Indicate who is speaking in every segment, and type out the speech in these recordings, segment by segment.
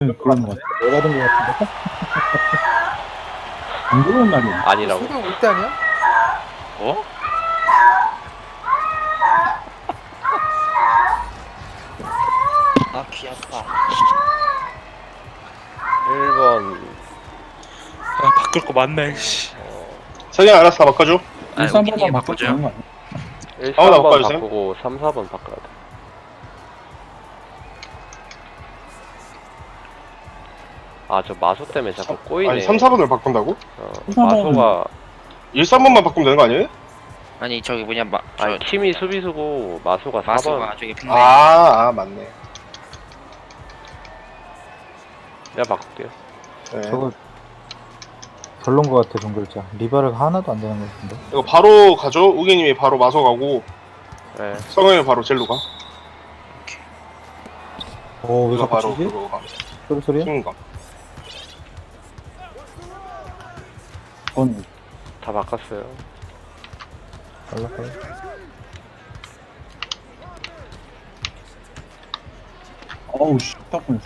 Speaker 1: 그런 것 같아. 내가 된 것 같은데? 안 그런 말이야.
Speaker 2: 아니라고?
Speaker 3: 소경 올 때 아니야?
Speaker 2: 어?
Speaker 4: 아, 귀 아파.
Speaker 2: 1번
Speaker 4: 아, 바꿀 거 맞네, 씨.
Speaker 5: 석영 알아서 다 바꿔줘.
Speaker 4: 아,
Speaker 1: 일산
Speaker 4: 우기님
Speaker 1: 번만 바꿔
Speaker 4: 바꿔줘요.
Speaker 1: 주는 거 아니야?
Speaker 2: 1,
Speaker 5: 나
Speaker 2: 3번
Speaker 5: 바꿔주세요.
Speaker 2: 바꾸고 3, 4번 바꿔야 돼. 아, 저 마소 때문에 자꾸 꼬이네.
Speaker 5: 아니 3, 4번을 바꾼다고?
Speaker 2: 마소가
Speaker 5: 1, 3번만 바꾸면 되는 거 아니에요?
Speaker 4: 아니, 저기 뭐냐,
Speaker 2: 아니 팀이 수비수고 마소가 4번.
Speaker 4: 마수가 저기 핑네.
Speaker 5: 맞네.
Speaker 2: 내가 바꿀게요.
Speaker 5: 네.
Speaker 1: 저거 별론 것 같아, 동글자. 리바르가 하나도 안 되는 것 같은데.
Speaker 5: 이거 바로 가죠. 우기님이 바로 마소 가고
Speaker 2: 네.
Speaker 5: 석영이 바로 젤로 가.
Speaker 1: 오, 왜
Speaker 5: 이거
Speaker 1: 자꾸
Speaker 5: 바로
Speaker 1: 치지?
Speaker 5: 그거 가.
Speaker 1: 소리야?
Speaker 5: 킹 가.
Speaker 1: 그건
Speaker 2: 다 바꿨어요.
Speaker 1: 연락해. 어우, 씨, 딱 보냈어.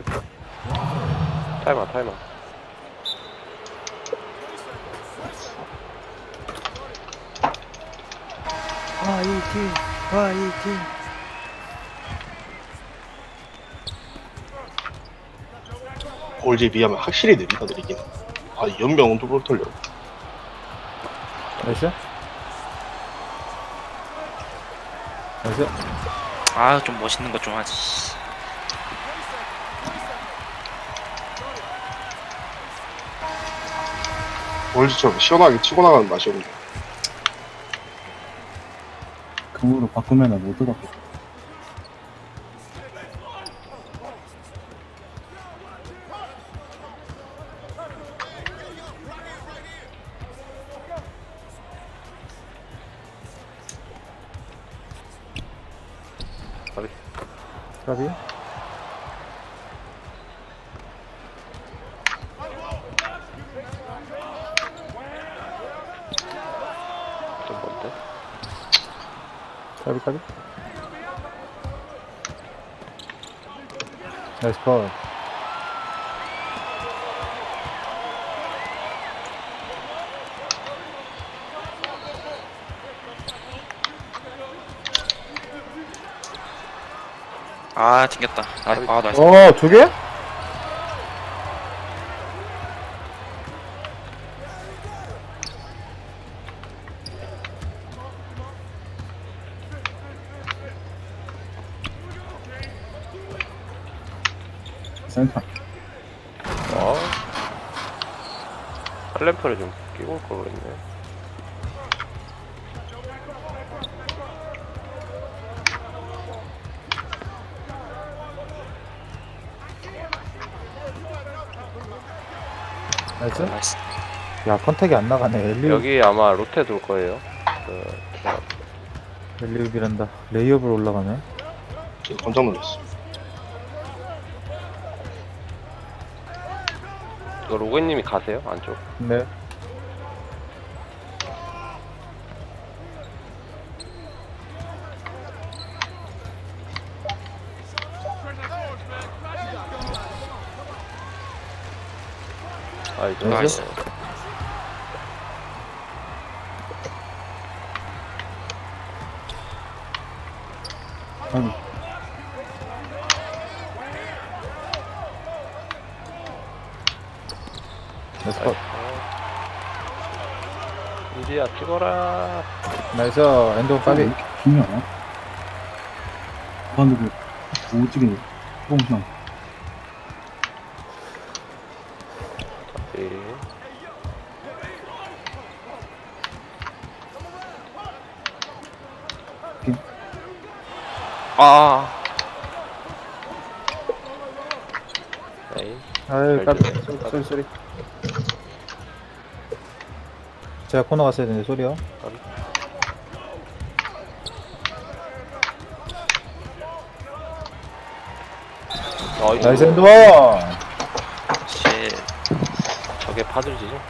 Speaker 2: 타이머.
Speaker 3: 화이팅.
Speaker 5: 골지에 비하면 확실히 느리긴. 아 연병은 또 털려.
Speaker 1: 나이스? 나이스?
Speaker 4: 아, 좀 멋있는 거 좀 하지. 씨.
Speaker 5: 골지처럼 시원하게 치고 나가는 맛이 없네.
Speaker 1: 금으로 바꾸면 못 들어갔고. 까비?
Speaker 2: 좀 뭔데?
Speaker 1: 까비? 나이스 컷.
Speaker 4: 아, 튕겼다. 아, 나이스.
Speaker 1: 두 개? 센터.
Speaker 2: 클램프를 좀 끼고 올 걸 그랬네.
Speaker 1: 나이스?
Speaker 4: 나이스.
Speaker 1: 야, 컨택이 안 나가네. 엘리웁,
Speaker 2: 여기 아마 로테 돌 거예요.
Speaker 1: 엘리웁이란다. 레이업으로 올라가네.
Speaker 5: 진짜 깜짝 놀랐어.
Speaker 2: 이거 로그님이 가세요 안쪽.
Speaker 1: 네.
Speaker 2: 이제
Speaker 4: 나이스.
Speaker 1: 아니. 나이스 컷.
Speaker 2: 이리야 찍어라.
Speaker 1: 나이스. 엔드 까비.
Speaker 6: 중요하나? 무한으로 오지게 뽕상
Speaker 2: 네.
Speaker 4: 아,
Speaker 2: 네.
Speaker 1: 아유,
Speaker 2: 잘
Speaker 1: 까비.
Speaker 2: 들어요.
Speaker 1: 소리. 제가 코너 갔어야 되는데, 소리요. 나이스 엔드 원!
Speaker 4: 쉣.
Speaker 2: 저게 파들지죠?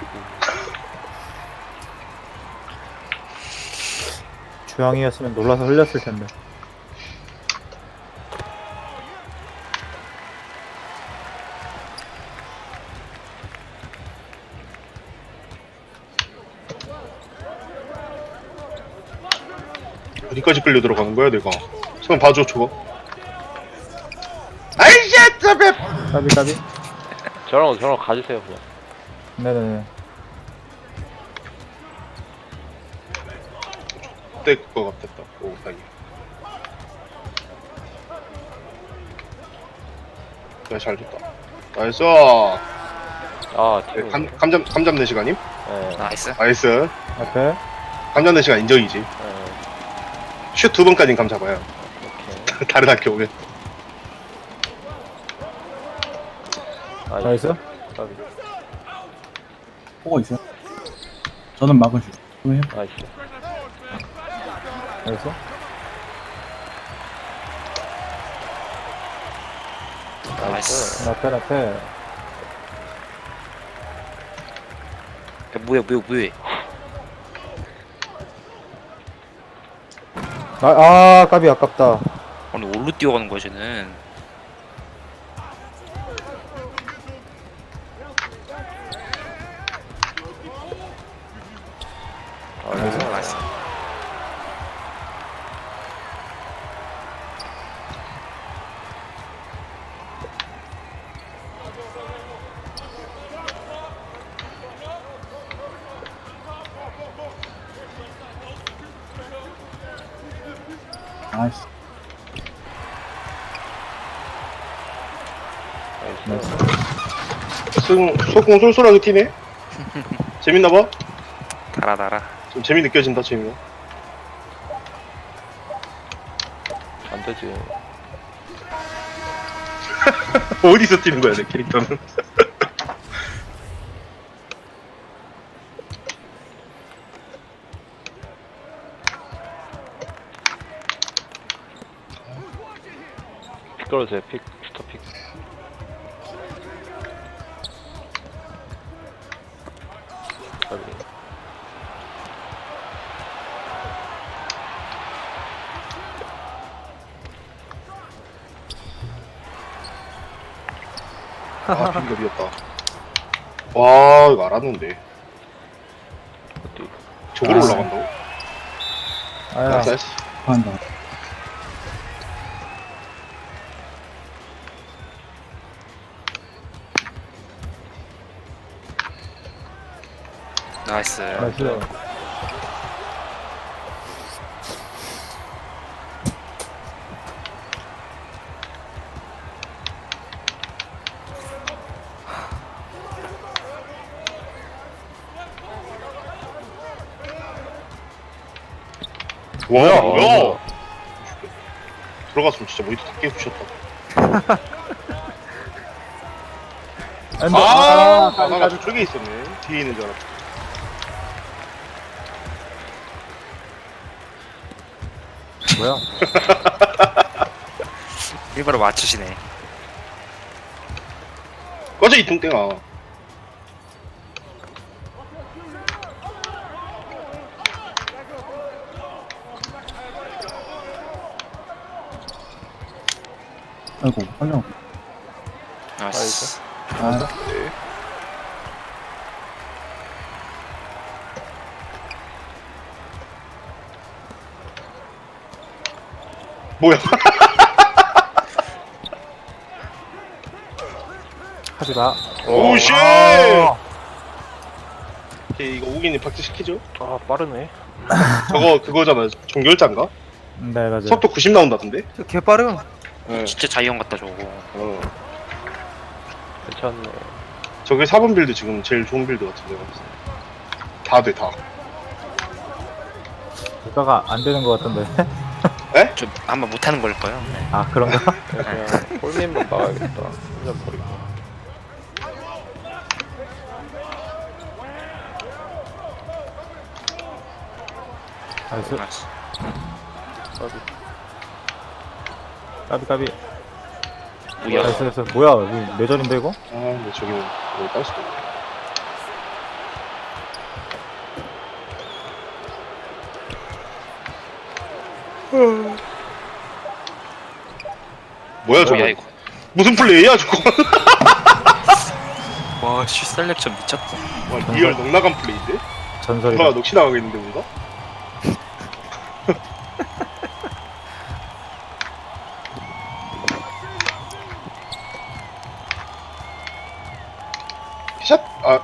Speaker 1: 주황이었으면 놀라서 흘렸을 텐데.
Speaker 5: 어디까지 끌려 들어가는 거야 내가? 손 봐줘 저거. 아이씨 저배.
Speaker 1: 까비.
Speaker 2: 저랑 가주세요 그냥.
Speaker 1: 네네네.
Speaker 5: 그때 그거 같았다. 오 다행이야. 야 잘 줬다. 나이스.
Speaker 2: 아
Speaker 5: 네,
Speaker 2: 팀.
Speaker 5: 감잡는 시간임?
Speaker 2: 네.
Speaker 4: 나이스.
Speaker 5: 나이스.
Speaker 1: 앞에.
Speaker 5: 감 잡는 시간 인정이지.
Speaker 2: 네.
Speaker 5: 슛 2번까지는 감 잡아요.
Speaker 2: 오케이.
Speaker 5: 다른 학교 오면.
Speaker 1: 나이스.
Speaker 2: 까비.
Speaker 6: 보고 있어요. 저는 막을 수 있어요.
Speaker 2: 나이스.
Speaker 1: 나이스.
Speaker 4: 나이스.
Speaker 1: 앞에.
Speaker 4: 뭐야.
Speaker 1: 까비 아깝다.
Speaker 4: 아니, 올로 뛰어가는 거야, 쟤는. 나이스.
Speaker 6: 나이스.
Speaker 2: 나이스.
Speaker 5: 소공 쏠쏠하게 튀네. 재밌나봐.
Speaker 4: 달아.
Speaker 5: 좀 재미 느껴진다 재미가.
Speaker 2: 안 되지.
Speaker 5: 어디서 뛰는 거야 내 캐릭터는.
Speaker 2: 픽 걸어주세요. 픽. 슈터 픽. 까비.
Speaker 5: 아 빙결이었다. 와 이거 알았는데.
Speaker 2: 어디?
Speaker 5: 저기로
Speaker 6: 아.
Speaker 5: 올라간다고?
Speaker 1: 아야.
Speaker 5: 나이스.
Speaker 6: 한다.
Speaker 4: 나이스.
Speaker 1: 나이스.
Speaker 5: 뭐야?
Speaker 2: 뭐야?
Speaker 5: 들어갔으면 진짜 모니터 다 깨부셨다. 나 저쪽에 있었네. 뒤에 있는 줄 알았어.
Speaker 1: 뭐야?
Speaker 4: 일바로 맞추시네.
Speaker 5: 꺼져 이 뚱땡아.
Speaker 6: 아이고, 빨려.
Speaker 4: 나이스.
Speaker 6: 아,
Speaker 5: 뭐야?
Speaker 1: 하지 마.
Speaker 5: 오 쉣!
Speaker 1: 아.
Speaker 5: 오케이 이거 우기님 박제 시키죠?
Speaker 2: 아 빠르네.
Speaker 5: 저거 그거잖아. 종결자인가?
Speaker 1: 네, 맞아요.
Speaker 5: 속도 90 나온다던데?
Speaker 1: 개 빠름.
Speaker 5: 네.
Speaker 4: 진짜 자이언 같다, 저거.
Speaker 5: 어.
Speaker 2: 괜찮네.
Speaker 5: 저게 4번 빌드 지금 제일 좋은 빌드 같은데. 다 돼, 다.
Speaker 1: 국가가 안 되는 것 같던데.
Speaker 4: 좀 아마 못하는 걸까요? 네.
Speaker 1: 아, 그런가?
Speaker 2: 그냥 홀맨만 막아야겠다. 혼자 버리고.
Speaker 1: 나이스.
Speaker 4: 나이스.
Speaker 1: 까비.
Speaker 4: 뭐야?
Speaker 1: 나이스. 뭐야, 여기 내전인데, 이거?
Speaker 5: 아, 근데 저기는 여기 딸 수도 있네. 뭐야 저거?
Speaker 4: 뭐야, 이거?
Speaker 5: 무슨 플레이야 저거?
Speaker 4: 와, 슛 셀렉션 미쳤다.
Speaker 5: 와, 리얼 넉나간 플레이인데?
Speaker 1: 전설이다.
Speaker 5: 누가 넋이 나가겠는데 뭔가? 샷! 아,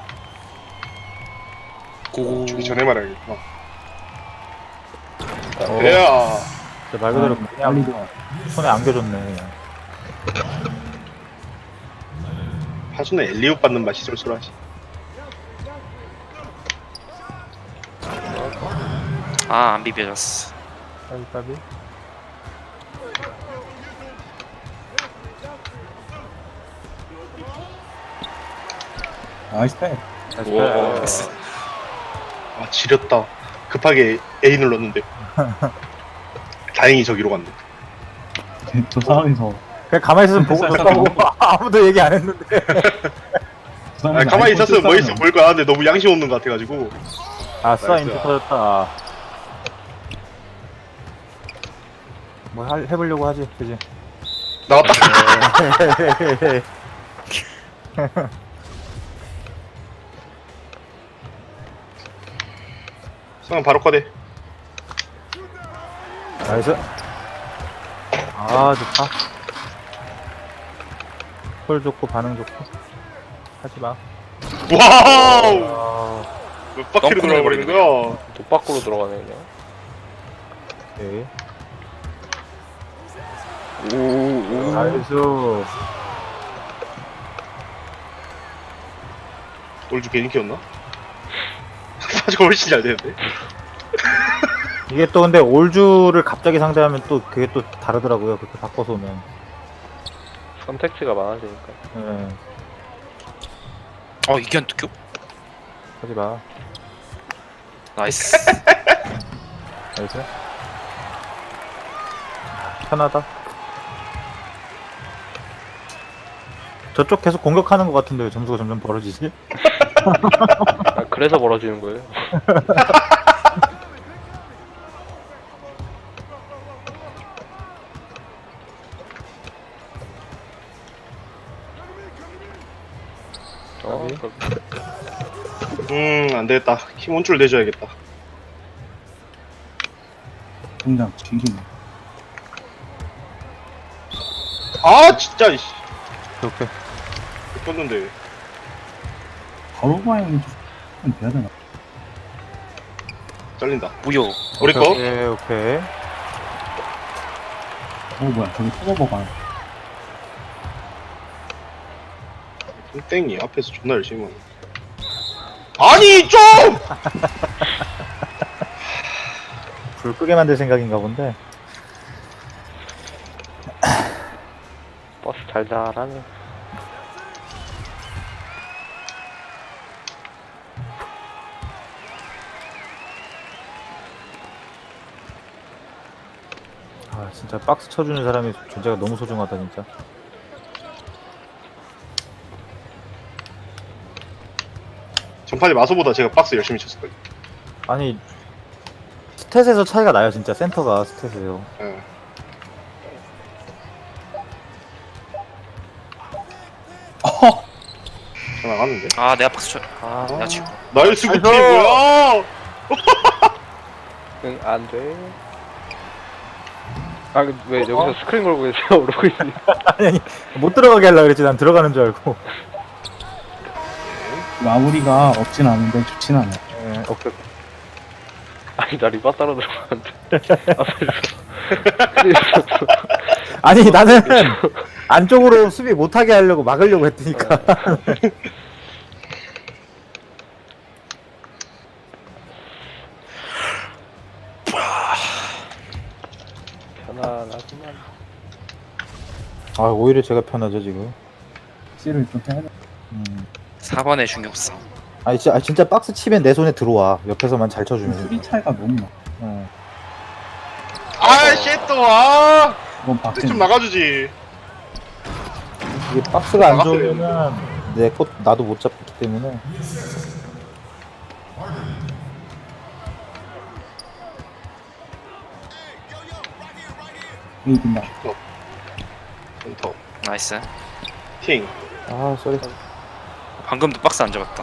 Speaker 4: 고고.
Speaker 5: 주기 전에 말해야겠구나.
Speaker 1: 어.
Speaker 5: 야,
Speaker 1: 진짜 말 그대로
Speaker 6: 빨리
Speaker 1: 그냥 손에 안겨줬네. 그냥.
Speaker 5: 하수는 엘리웁 받는 맛이 쏠쏠하지.
Speaker 4: 아, 안 비벼졌어.
Speaker 1: 까비 까비.
Speaker 6: 나이스 패.
Speaker 1: 나이스.
Speaker 5: 아, 지렸다. 급하게 A 눌렀는데. 다행히 저기로 갔네.
Speaker 6: 저 상황에서
Speaker 1: 그냥 가만히 있으면 보고 있었다고. 아무도 얘기 안 했는데.
Speaker 6: 저
Speaker 5: 아,
Speaker 6: 상황에서
Speaker 5: 가만히
Speaker 6: 아이폰
Speaker 5: 있었으면 뭐
Speaker 6: 쓸
Speaker 5: 있어
Speaker 6: 사람은
Speaker 5: 보일 거야. 근데 너무 양심 없는 것 같아가지고.
Speaker 1: 아싸
Speaker 5: 나이스.
Speaker 1: 인트 터졌다. 뭐 해보려고 하지, 그지?
Speaker 5: 나왔다. 성은 바로 꺼내.
Speaker 1: 나이스. 아 좋다. 콜 좋고 반응 좋고. 하지마.
Speaker 5: 와우!
Speaker 1: 아,
Speaker 5: 몇 바퀴로
Speaker 4: 덩크를
Speaker 5: 돌아버리는 거야?
Speaker 2: 또 밖으로 들어가네 그냥.
Speaker 1: 오케이.
Speaker 2: 오.
Speaker 1: 나이스.
Speaker 5: 올주 괜히 키웠나? 사주가 훨씬 잘 되는데?
Speaker 1: 이게 또 근데 올주를 갑자기 상대하면 또 그게 또 다르더라고요. 그렇게 바꿔서 오면.
Speaker 2: 선택지가 많아지니까.
Speaker 1: 예.
Speaker 4: 이게 안 뜯겨?
Speaker 1: 하지마.
Speaker 4: 나이스.
Speaker 1: 나이스. 편하다. 저쪽 계속 공격하는 것 같은데 왜 점수가 점점 벌어지지?
Speaker 2: 아, 그래서 벌어지는 거예요.
Speaker 1: 까비.
Speaker 5: 안 되겠다. 힘 온줄 내줘야겠다.
Speaker 6: 등장 뒤지네.
Speaker 5: 아, 진짜, 이씨.
Speaker 1: 오케이.
Speaker 5: 떴는데.
Speaker 6: 바로 방향이 좀 돼야 되나?
Speaker 5: 잘린다.
Speaker 4: 무효.
Speaker 5: 우리 거?
Speaker 1: 오케이, 오케이.
Speaker 6: 뭐야 저기 터버버가
Speaker 5: 땡이 앞에서 존나 열심히 하네. 아니, 좀!
Speaker 1: 불 끄게 만들 생각인가 본데.
Speaker 2: 버스 달달하네.
Speaker 1: 아, 진짜 박스 쳐주는 사람이 존재가 너무 소중하다, 진짜.
Speaker 5: 전판에 마소보다 제가 박스 열심히 쳤을거예요.
Speaker 1: 아니, 스탯에서 차이가 나요, 진짜. 센터가 스탯에서.
Speaker 5: 예. 잘 나갔는데?
Speaker 4: 아, 내가 박수 쳐. 아, 내가 지금.
Speaker 5: 나이스 굿팀
Speaker 1: 아이고.
Speaker 5: 뭐야?
Speaker 2: 응, 안 돼. 아, 왜 여기서 스크린 걸고 계세요? 오르고 있니?
Speaker 1: 아니, 못 들어가게 하려고 그랬지. 난 들어가는 줄 알고.
Speaker 6: 마무리가 없진 않은데 좋진 않아.
Speaker 1: 예, 오케이.
Speaker 2: 아니, 나 리바 따로 들어가는데. 앞에서.
Speaker 1: 아니, 나는 안쪽으로 수비 못하게 하려고 막으려고 했으니까.
Speaker 2: 편안하지만.
Speaker 1: 아, 오히려 제가 편하죠, 지금.
Speaker 6: C를 좀 해야 돼.
Speaker 4: 4번에 중격성.
Speaker 1: 아니, 진짜 박스 치면 내 손에 들어와. 옆에서만 잘 쳐주면.
Speaker 6: 수비 차이가 너무 나.
Speaker 1: 예.
Speaker 5: 아, 쉣또 아!
Speaker 6: 이건
Speaker 5: 좀
Speaker 6: 박진.
Speaker 5: 나가주지.
Speaker 1: 이게 박스가 안
Speaker 5: 나갔어야
Speaker 1: 좋으면은 내 것 나도 못 잡기 때문에.
Speaker 6: 이 빈다.
Speaker 5: 엔터.
Speaker 4: 나이스.
Speaker 5: 팅.
Speaker 1: 아, 쏘리.
Speaker 4: 방금도 박스 안 잡았다.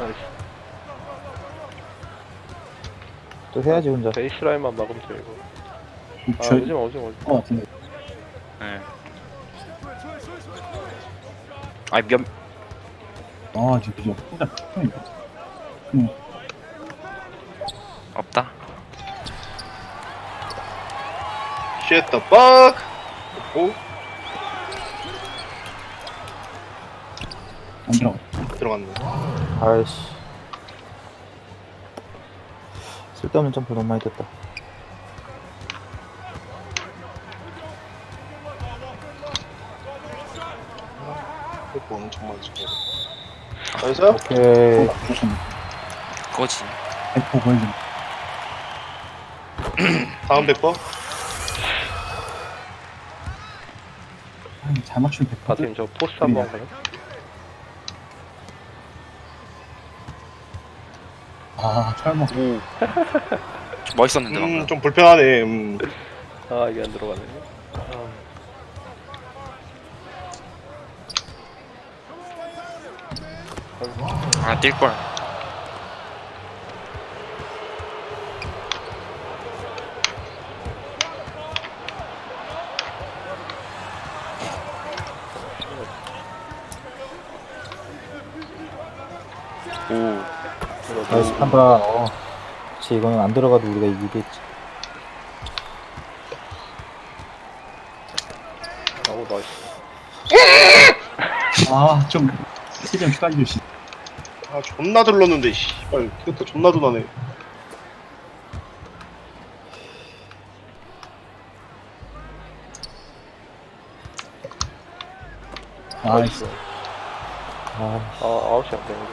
Speaker 1: 또 해야지, 혼자.
Speaker 2: 베이스라인만 막으면 돼, 이거. 아,
Speaker 6: 저,
Speaker 2: 오지마, 오지마, 오지마.
Speaker 6: 같은데.
Speaker 4: 예. 아니,
Speaker 6: 아, 진짜 진짜 편이다.
Speaker 4: 없다.
Speaker 5: Shut the fuck. 오
Speaker 6: 안 들어가.
Speaker 5: 들어갔네.
Speaker 1: 아이씨. 쓸데없는 점프 너무 많이 됐다.
Speaker 5: 이거 엄청 많지. 나이스.
Speaker 1: 오케이.
Speaker 4: 그거지.
Speaker 6: 100% 걸림.
Speaker 5: 다음 100번.
Speaker 6: 아니, 잘 맞추면 100%.
Speaker 2: 바팀 저 포스 한번 가요?
Speaker 6: 아, 설마.
Speaker 4: 좀 멋있었는데 방금.
Speaker 5: 좀 불편하네.
Speaker 2: 아 이게 안 들어가네.
Speaker 4: 아, 뛸 걸. 오.
Speaker 1: 나이스 판단. 그치, 이거는 안 들어가도 우리가 이기겠지.
Speaker 2: 아우 나이스.
Speaker 6: 아, 좀. 시점 추가해주시.
Speaker 5: 아 존나 들렀는데 씨발 그것도 존나 도나네.
Speaker 6: 나이스.
Speaker 1: 아,
Speaker 2: 아 아웃이 안 되네.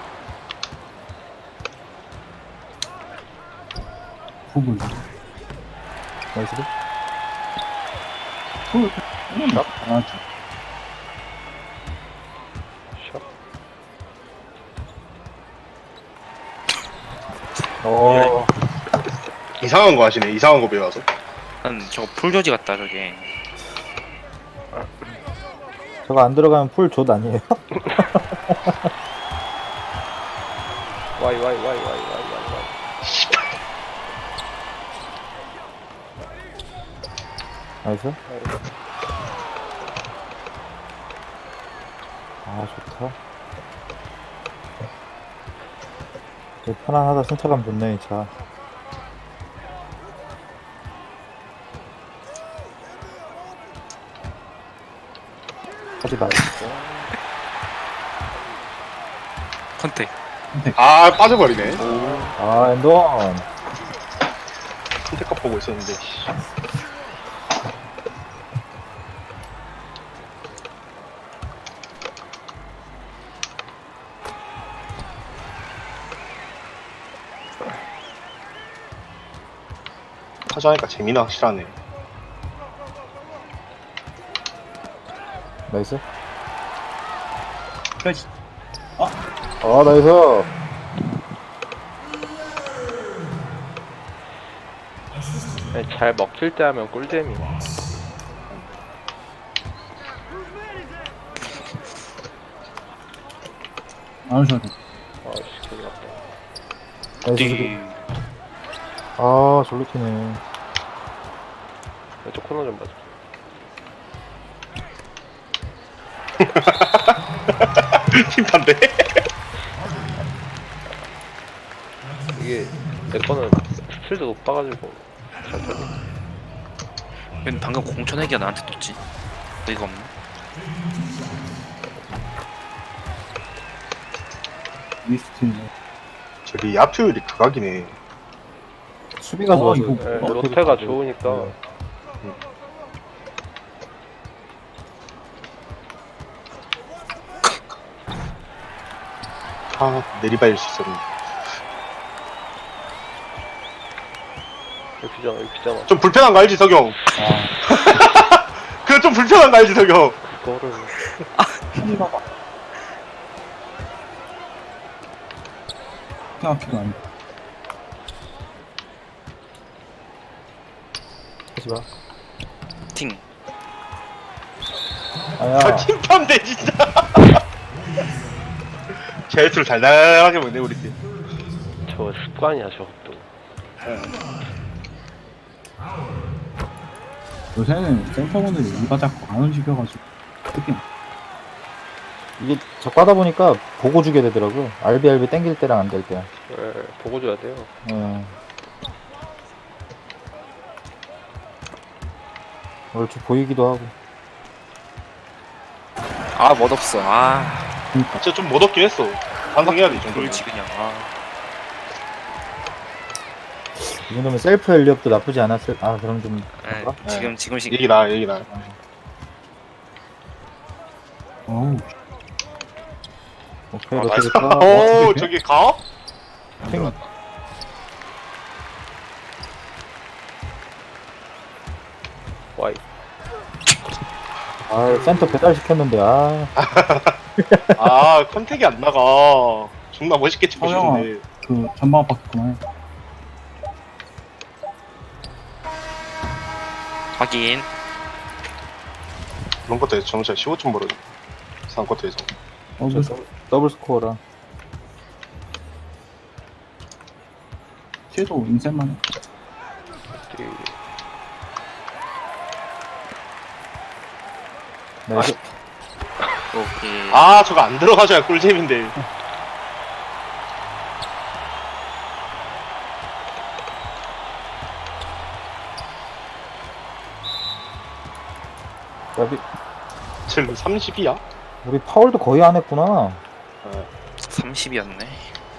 Speaker 6: 구글.
Speaker 1: 나이스.
Speaker 6: 구글. 아,
Speaker 2: 샷.
Speaker 5: 이상한 거 하시네. 이상한 거 배워서.
Speaker 4: 난 저거 풀교지 같다 저게.
Speaker 1: 저거 안 들어가면 풀 아니에요?
Speaker 2: 와이.
Speaker 1: 나이스. 아, 좋다. 되게 편안하다. 승차감 좋네, 이 차. 하지 마.
Speaker 4: 컨택.
Speaker 5: 아 빠져버리네.
Speaker 1: 아, 엔돈.
Speaker 5: 선택값 보고 있었는데. 씨. 하자니까 재미나 확실하네.
Speaker 1: 나이스.
Speaker 6: 플래시.
Speaker 1: 아, 나이스.
Speaker 2: 잘 먹힐 때 하면 꿀잼이.
Speaker 6: 안 오셔도 돼.
Speaker 2: 아씨 큰일 났다.
Speaker 1: 나이스.
Speaker 4: 뒤.
Speaker 1: 아, 졸로 튀네.
Speaker 2: 왼쪽 코너 좀 봐줘.
Speaker 5: 팀판데.
Speaker 2: 이게 내 거는 스틸도 높아가지고 잘 털려.
Speaker 4: 웬 방금 공천애기가 나한테 떴지? 어이가 없네.
Speaker 6: 리스트네.
Speaker 5: 저기 야투율이 극악이네.
Speaker 1: 수비가 좋아서.
Speaker 6: 이거
Speaker 2: 네, 로테가 좋으니까.
Speaker 5: 아 내리발릴 수 있었는데.
Speaker 2: 여기 비잖아.
Speaker 5: 좀 불편한 거 알지 석영?
Speaker 6: 아,
Speaker 5: 그거 좀 불편한 거 알지 석영?
Speaker 2: 그거를
Speaker 6: 편이라고. 생각해도 안 돼.
Speaker 1: 하지 마.
Speaker 4: 팅.
Speaker 1: 아야.
Speaker 5: 저 팀판데 진짜. 제트를 달달하게 먹네 우리 팀.
Speaker 2: 저 습관이야 저것도.
Speaker 6: 요새는 센터분들이 이가 자꾸 안 움직여가지고. 특히
Speaker 1: 이게 자꾸 하다 보니까 보고 주게 되더라고요. 알비 땡길 때랑 안 될 때.
Speaker 2: 예, 보고 줘야 돼요.
Speaker 1: 예. 얼추 보이기도 하고.
Speaker 4: 아 멋없어. 아
Speaker 5: 진짜 좀 못없긴 했어. 반성해야 돼, 이 정도면.
Speaker 4: 그렇지 그냥. 아
Speaker 1: 이 정도면 셀프 엘리업도 나쁘지 않았을. 아 그럼 좀.
Speaker 4: 네,
Speaker 1: 그런가?
Speaker 4: 지금
Speaker 5: 얘기 나, 얘기 나.
Speaker 6: 어우,
Speaker 1: 오케이
Speaker 4: 아,
Speaker 1: 이렇게
Speaker 4: 맞아.
Speaker 1: 될까?
Speaker 5: 오, 저기 가?
Speaker 1: 팽.
Speaker 2: 와이.
Speaker 1: 아 센터 배달 시켰는데 아.
Speaker 5: 아, 컨택이 안 나가. 존나 멋있게 치고
Speaker 6: 서영아.
Speaker 5: 싶은데.
Speaker 6: 그 전방 바뀌구나.
Speaker 4: 확인.
Speaker 5: 그런 것도 점차 15점 벌어져. 상쿼터에서.
Speaker 6: 그래서
Speaker 1: 더블 스코어라.
Speaker 6: 쟤도 인생만 해.
Speaker 1: 네,
Speaker 4: 오케이.
Speaker 5: 아, 저거 안 들어가줘야 꿀잼인데.
Speaker 1: 여기
Speaker 5: 쟤 30이야?
Speaker 1: 우리 파울도 거의 안 했구나.
Speaker 4: 30이었네.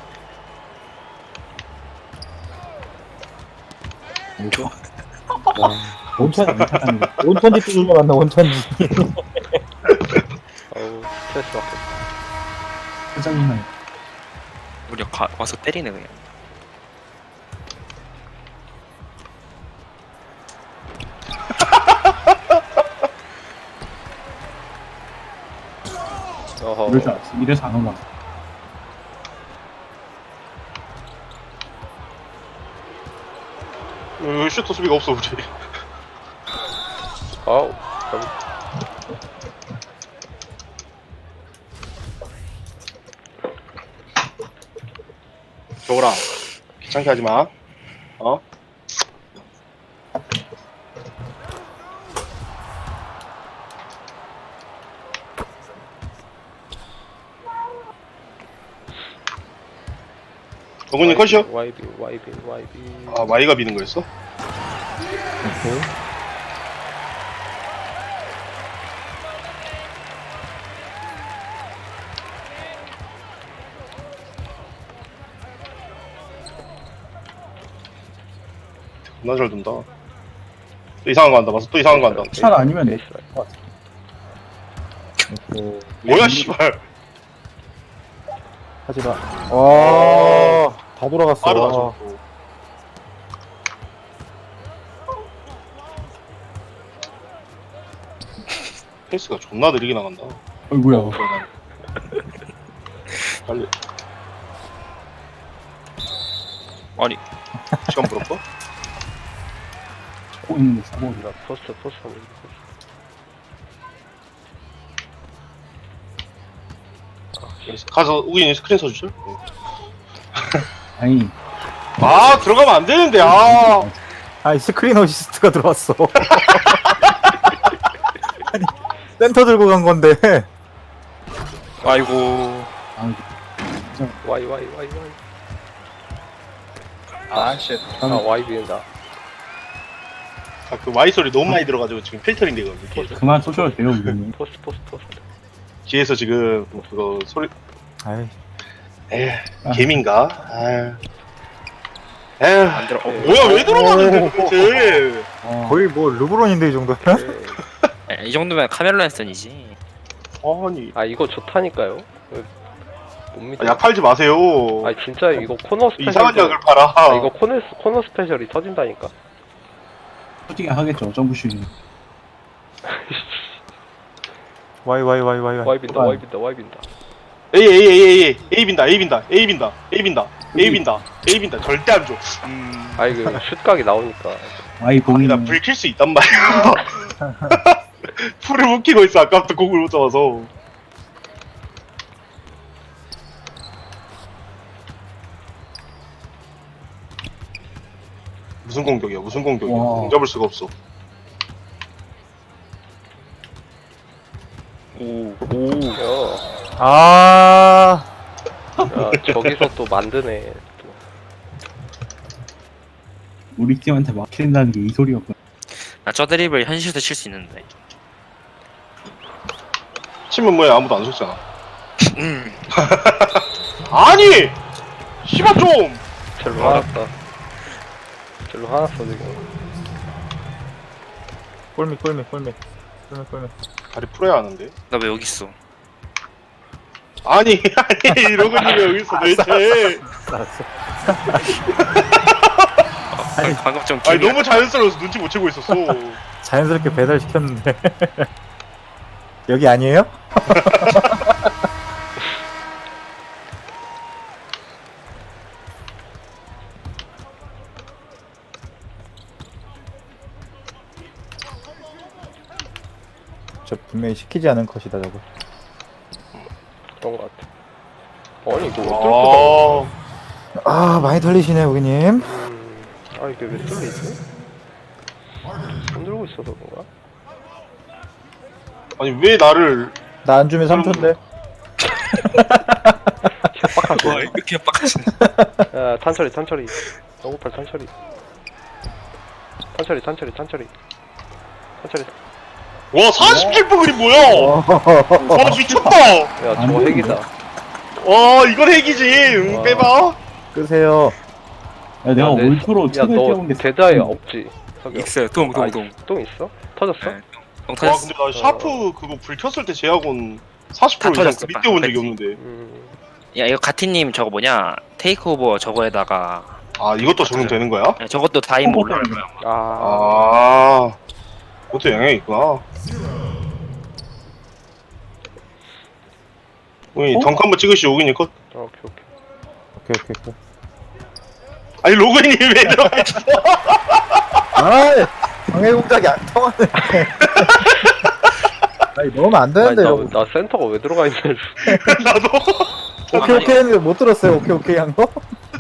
Speaker 1: 온천 온천지 뚜들려 맞나 온천지.
Speaker 2: 아우, 스트레스 받겠다.
Speaker 6: 짜증나.
Speaker 4: 우리 와서 때리네 그냥.
Speaker 2: 어허.
Speaker 6: 이럴 줄 알았어. 이래서 안 올라왔어.
Speaker 5: 슈터 수비가 없어, 우리.
Speaker 2: 아우.
Speaker 5: 저거라. 귀찮게 하지 마. 어? 정근님 컷이요?
Speaker 2: 와이비.
Speaker 5: 아, 마이가 미는 거였어?
Speaker 1: 오케이.
Speaker 5: 겁나 잘 둔다. 또 이상한 거 한다. 맞아, 또 이상한 거 한다.
Speaker 6: 샷 아니면 내.
Speaker 1: 오케이.
Speaker 5: 뭐야, 씨발.
Speaker 1: 하지마. 다 돌아갔어.
Speaker 5: 바로 가져. 페이스가 존나 느리게 나간다.
Speaker 6: 어이구야.
Speaker 5: 빨리.
Speaker 4: 아니
Speaker 5: 시간 부럽고?
Speaker 6: 보고 있는데 사고.
Speaker 2: 나 포스트.
Speaker 5: 가서 우기님 스크린 써주죠?
Speaker 6: 아니,
Speaker 5: 아, 들어가면 안 되는데, 아.
Speaker 1: 아니 스크린 어시스트가 들어왔어. 아니 센터 들고 간 건데.
Speaker 4: 아이고.
Speaker 6: 아,
Speaker 2: 와이.
Speaker 5: 아, 쉣.
Speaker 2: 아, 와이비인다.
Speaker 5: 아, 그 Y 소리 너무 많이 들어가지고 지금 필터링 되거든요. 뒤에서,
Speaker 6: 그만 쏘셔도 돼요, 이거는.
Speaker 2: 포스트.
Speaker 5: 뒤에서 지금 그거 소리,
Speaker 1: 아이
Speaker 5: 에휴, 개민가? 에휴,
Speaker 4: 안 들어.
Speaker 5: 뭐야, 왜 들어가는데, 도대체.
Speaker 1: 거의 뭐 르브론인데 이 정도면.
Speaker 4: 이 정도면 카멜로 앤슨이지.
Speaker 5: 아니,
Speaker 2: 아, 이거 좋다니까요. 못 믿어.
Speaker 5: 약 팔지 마세요.
Speaker 2: 아, 진짜 이거 코너 스페셜.
Speaker 5: 이상한 약을 팔아.
Speaker 2: 아, 이거 코너 스페셜이 터진다니까.
Speaker 6: 솔직히 하겠죠, 점프슛이.
Speaker 1: 와이.
Speaker 2: 와이빈다.
Speaker 5: A 빈다. 절대 안 줘.
Speaker 2: 아, 이거 슛각이 나오니까.
Speaker 6: 아이,
Speaker 5: 아니, 나
Speaker 6: 봉이.
Speaker 5: 불 킬 수 있단 말이야. 풀을 못 키고 있어, 아까부터 공을 못 잡아서. 무슨 공격이야?
Speaker 6: 와.
Speaker 5: 공 잡을 수가 없어.
Speaker 4: 오.
Speaker 2: 야.
Speaker 1: 아,
Speaker 2: 야, 저기서 또 만드네. 또.
Speaker 6: 우리 팀한테 막힌다는 게 이 소리였구나.
Speaker 4: 나 저 드립을 현실에서 칠 수 있는데.
Speaker 5: 치면 뭐야 아무도 안 쏘잖아.
Speaker 4: 음.
Speaker 5: 아니! 씨발 좀!
Speaker 2: 절로 화났다. 절로 화났어 지금.
Speaker 1: 꿀미.
Speaker 5: 다리 풀어야 하는데.
Speaker 4: 나 왜 여기 있어?
Speaker 5: 아니 로그님 왜 여기 있어 도대체.
Speaker 1: 알았어.
Speaker 4: 방금 좀
Speaker 5: 아니
Speaker 4: 기분이
Speaker 5: 너무 자연스러워서 눈치 못 채고 있었어.
Speaker 1: 자연스럽게 배달시켰는데. 여기 아니에요? 저 분명히 시키지 않은 컷이다 저거.
Speaker 2: 그런 것 같아. 아니 이거 왜 뚫고
Speaker 5: 아,
Speaker 1: 아 많이 털리시네 고객님.
Speaker 2: 아 이게 왜 뚫리지? 흔들고 있어서 그런가?
Speaker 5: 아니 왜 나를
Speaker 1: 나 안 주면 3초인데.
Speaker 4: 와 이렇게 빡하시네.
Speaker 2: 야 탄처리. 너구팔 탄처리. 탄처리.
Speaker 5: 와 47분 그림 뭐야? 와 미쳤다.
Speaker 2: 야
Speaker 6: 안
Speaker 2: 저거
Speaker 6: 되는데?
Speaker 2: 핵이다.
Speaker 5: 와 이건 핵이지.
Speaker 2: 와.
Speaker 5: 빼봐.
Speaker 1: 끄세요.
Speaker 6: 야, 내가
Speaker 2: 야, 내-
Speaker 6: 올투로 책을
Speaker 2: 야너
Speaker 6: 떼온 게
Speaker 2: 대자에 없지? 석영.
Speaker 4: 있어요. 똥.
Speaker 2: 똥 있어? 터졌어?
Speaker 4: 네. 똥
Speaker 5: 와
Speaker 4: 터졌어.
Speaker 5: 근데 나 샤프 그거 불 켰을 때 제약온 40%
Speaker 4: 다
Speaker 5: 이상
Speaker 4: 터졌어,
Speaker 5: 밑에 온 적이
Speaker 4: 다
Speaker 5: 없는데.
Speaker 4: 야 이거 가티님 저거 뭐냐? 테이크오버 저거에다가
Speaker 5: 아 이것도 적용되는 거야?
Speaker 4: 야, 저것도 다임 올라갈 거야. 아마.
Speaker 2: 아,
Speaker 5: 아 그것도 영향이 있구나. 우리 덩크 한번 찍으시죠 오기님 컷.
Speaker 2: 오케이.
Speaker 1: 오케이.
Speaker 5: 아니 로그님 왜 들어가 있어?
Speaker 1: 아 방해 공작이 안 통하네. 아니 넣으면 안
Speaker 2: 아니,
Speaker 1: 되는데 여러분.
Speaker 2: 나 센터가 왜 들어가 있는 줄.
Speaker 5: 나도.
Speaker 1: 오케이 했는데 못 들었어요. 오케이 한 거?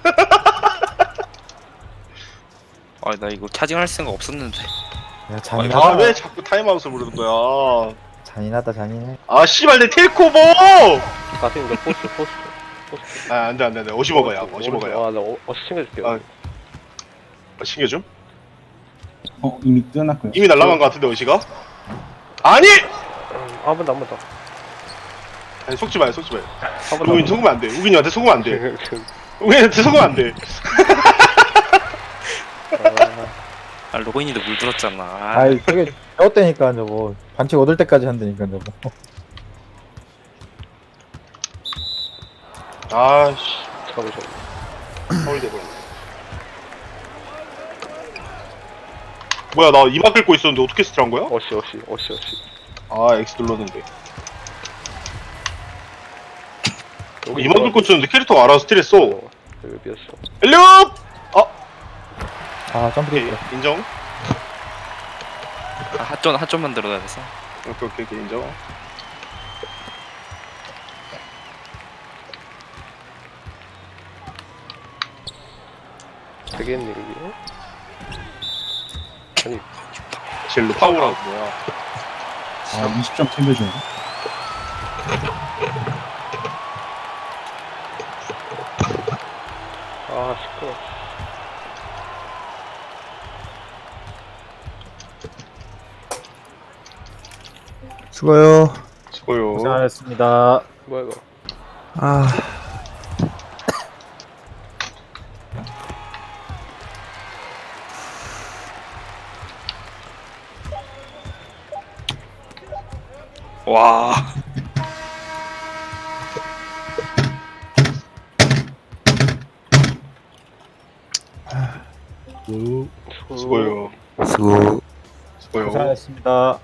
Speaker 4: 아 나 이거 차징할 생각 없었는데.
Speaker 1: 야 잔인하다.
Speaker 5: 아 왜 자꾸 타임아웃을 부르는 거야?
Speaker 1: 잔인해.
Speaker 5: 아 씨발 내 텔코버!
Speaker 2: 가슴이 너 포스트.
Speaker 5: 아 안돼 어시 먹어야 어시 먹어야.
Speaker 2: 아나 어시 챙겨줄게.
Speaker 5: 아. 챙겨줌?
Speaker 6: 이미 끝났고요.
Speaker 5: 이미 날라간 거 같은데 어시가? 아니!
Speaker 2: 한 번 더.
Speaker 5: 아니 속지 마요
Speaker 2: 한 번
Speaker 5: 우빈
Speaker 2: 더.
Speaker 5: 속으면 안돼 우빈이한테 속으면 안돼 우빈이한테 속으면 안돼.
Speaker 4: 아 로그인이도 물들었잖아.
Speaker 1: 아이 저게 배웠다니까 저거. 반칙 얻을 때까지 한다니까 저거.
Speaker 5: 아씨
Speaker 2: 잠깐만.
Speaker 5: 서울대 버렸네. 뭐야 나 이마 긁고 있었는데 어떻게 스틸한 거야?
Speaker 2: 어시.
Speaker 5: 아 X 눌렀는데
Speaker 2: 여기
Speaker 5: 이마 긁고 있었는데 캐릭터가 알아서 스틸했어.
Speaker 2: 여기 비었어.
Speaker 5: 엘리업!
Speaker 1: 아 점프
Speaker 5: 오케이
Speaker 1: 됐다.
Speaker 5: 인정.
Speaker 4: 아, 핫존만 들어야 돼서.
Speaker 5: 오케이 인정.
Speaker 2: 되겠네 이게. 아니
Speaker 5: 젤로 파워라고 뭐야.
Speaker 6: 아, 20점 챙겨줘야 돼.
Speaker 2: 아 시끄러.
Speaker 1: 수고요.
Speaker 5: 수고요.
Speaker 1: 고생하셨습니다.
Speaker 2: 뭐야 이거?
Speaker 1: 아.
Speaker 4: 와.
Speaker 5: 수고요.
Speaker 1: 수고.
Speaker 5: 수고요.
Speaker 1: 고생하셨습니다.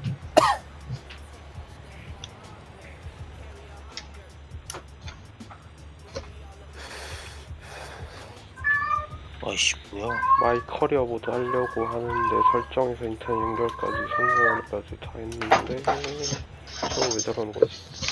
Speaker 4: 아이씨 뭐야?
Speaker 2: 마이 커리어 모드 하려고 하는데 설정에서 인터넷 연결까지 성공하기까지 다 했는데 저거 왜 저러는 거지?